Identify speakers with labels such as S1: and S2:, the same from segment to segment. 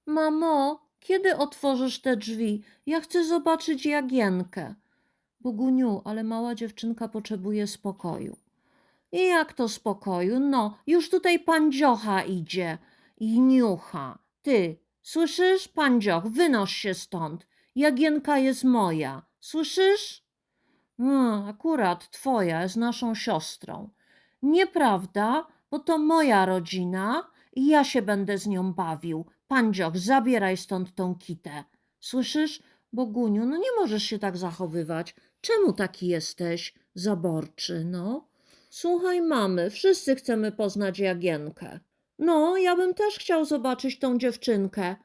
S1: Mamo, kiedy otworzysz te drzwi? Ja chcę zobaczyć Jagienkę. Boguniu, ale mała dziewczynka potrzebuje spokoju. I jak to spokoju? No, już tutaj pan Dziocha idzie i niucha. Ty, słyszysz? Pan Dzioch, wynoś się stąd. Jagienka jest moja. Słyszysz? Akurat twoja jest naszą siostrą. Nieprawda, bo to moja rodzina i ja się będę z nią bawił. Pan Dzioch, zabieraj stąd tą kitę. Słyszysz? Boguniu, no nie możesz się tak zachowywać. Czemu taki jesteś zaborczy, no? Słuchaj, mamy, wszyscy chcemy poznać Jagienkę. No, ja bym też chciał zobaczyć tą dziewczynkę.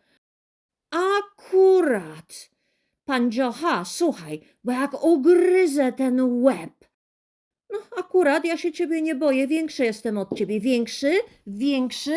S1: Akurat. Pan Dziocha, słuchaj, bo jak ugryzę ten łeb. No, akurat ja się ciebie nie boję, większy jestem od ciebie. Większy? Większy?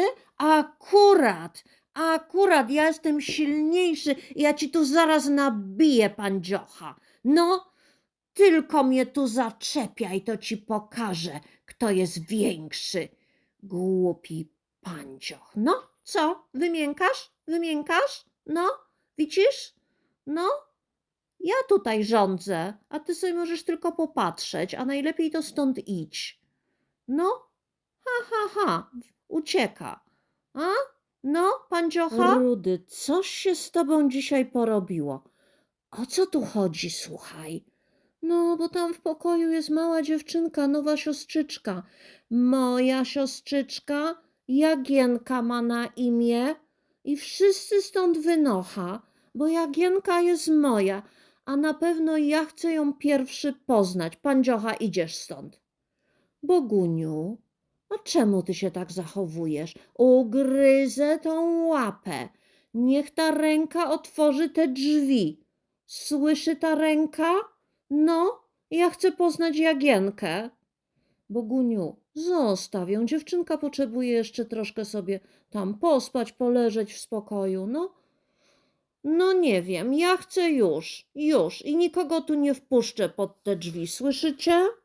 S1: Akurat, ja jestem silniejszy i ja ci tu zaraz nabiję, pan Dziocha. No, tylko mnie tu zaczepiaj, to ci pokażę, kto jest większy. Głupi pancioch. No, co? Wymiękasz? Wymiękasz? No, widzisz? No, ja tutaj rządzę, a ty sobie możesz tylko popatrzeć, a najlepiej to stąd idź. No, ha, ucieka. A? No, panciocha? Rudy, coś się z tobą dzisiaj porobiło. O co tu chodzi, słuchaj? No, bo tam w pokoju jest mała dziewczynka, nowa siostrzyczka. Moja siostrzyczka, Jagienka ma na imię i wszyscy stąd wynocha, bo Jagienka jest moja, a na pewno ja chcę ją pierwszy poznać. Pan Dziocha, idziesz stąd. Boguniu, a czemu ty się tak zachowujesz? Ugryzę tą łapę. Niech ta ręka otworzy te drzwi. Słyszy ta ręka? No, ja chcę poznać Jagienkę. Boguniu, zostaw ją. Dziewczynka potrzebuje jeszcze troszkę sobie tam pospać, poleżeć w spokoju. No nie wiem, ja chcę już i nikogo tu nie wpuszczę pod te drzwi. Słyszycie?